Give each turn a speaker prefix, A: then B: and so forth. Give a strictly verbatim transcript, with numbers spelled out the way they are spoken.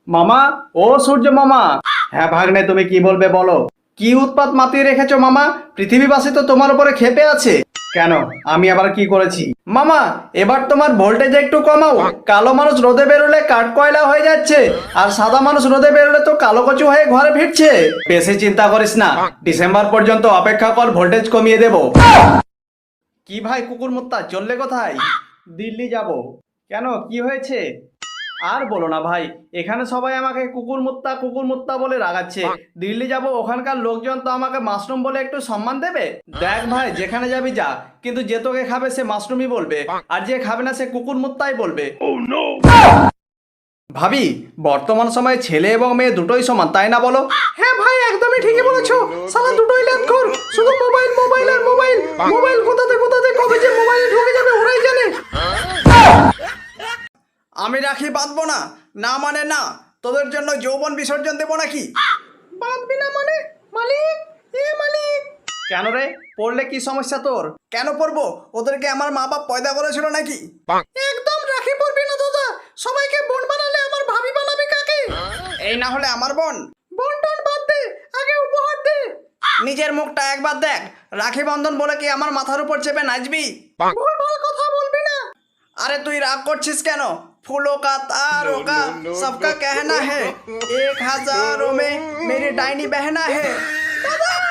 A: মামা, ও সূর্য মামা। হ্যাঁ ভাগ্নে, তুমি কি বলবে বলো। কি উৎপাত মাতিয়ে রেখেছো মামা? পৃথিবীবাসী তো তোমার উপরে ক্ষেপে আছে। কেন, আমি আবার কি করেছি? মামা, এবার তোমার ভোল্টেজ একটু কমাও। কালো মানুষ রোদে বেরোলে কাঠ কয়লা হয়ে যাচ্ছে, আর সাদা মানুষ রোদে বেরোলে তো কালো কচু হয়ে ঘরে ফিরছে। বেশি চিন্তা করিস না, ডিসেম্বর পর্যন্ত অপেক্ষা কর, ভোল্টেজ কমিয়ে দেবো। কি ভাই কুকুর মুত্তা, চললে কোথায়? দিল্লি যাব। কেন, কি হয়েছে? আর বলো না ভাই, এখানে সবাই আমাকে কুকুর মুত্তা কুকুর মুত্তা বলে রাগাচ্ছে। দিল্লি যাব, ওখানকার লোকজন তো আমাকে মাশরুম বলে একটু সম্মান দেবে? দেখ ভাই, যেখানে যাবি যা, কিন্তু যে তোকে খাবে সে মাশরুমই বলবে, আর যে খাবে না সে কুকুর মুত্তাই বলবে। ভাবি, বর্তমান সময়ে ছেলে এবং মেয়ে দুটোই সমান, তাই না বলো? হ্যাঁ ভাই, একদমই ঠিকই বলেছো। সালা দুটোই ল্যাপখোর, শুধু মোবাইল মোবাইল আর মোবাইল। মোবাইল কোথাতে কোথাতে কবে যে মোবাইলে ঢুকে যাবে ওরাই জানে। আমি রাখি বাঁধবো না, না মানে না। তোদের জন্য যৌবন বিসর্জন দেবো নাকি? বাঁধবি না মানে? মালিক, এ মালিক। কেন রে, পড়লে কি সমস্যা তোর? কেন পড়বো? ওদেরকে আমার মা বাপ পয়দা করেছিল নাকি? একদম রাখি পড়বি না দাদা। সবাইকে বোন বানালে আমার ভাবি বানাবি কাকে? এই না হলে আমার বোন। বোন টোন বাদ দে, আগে উপহার দে। নিজের মুখটা একবার দেখ। রাখি বন্ধন বলে কি আমার মাথার উপর চেপে নাচবি? ভুলভাল কথা বলবি না। अरे तू राग करछिस केन? फूलों का तारों का सबका कहना है, एक हजारों में मेरी डायनी बहना है। दादा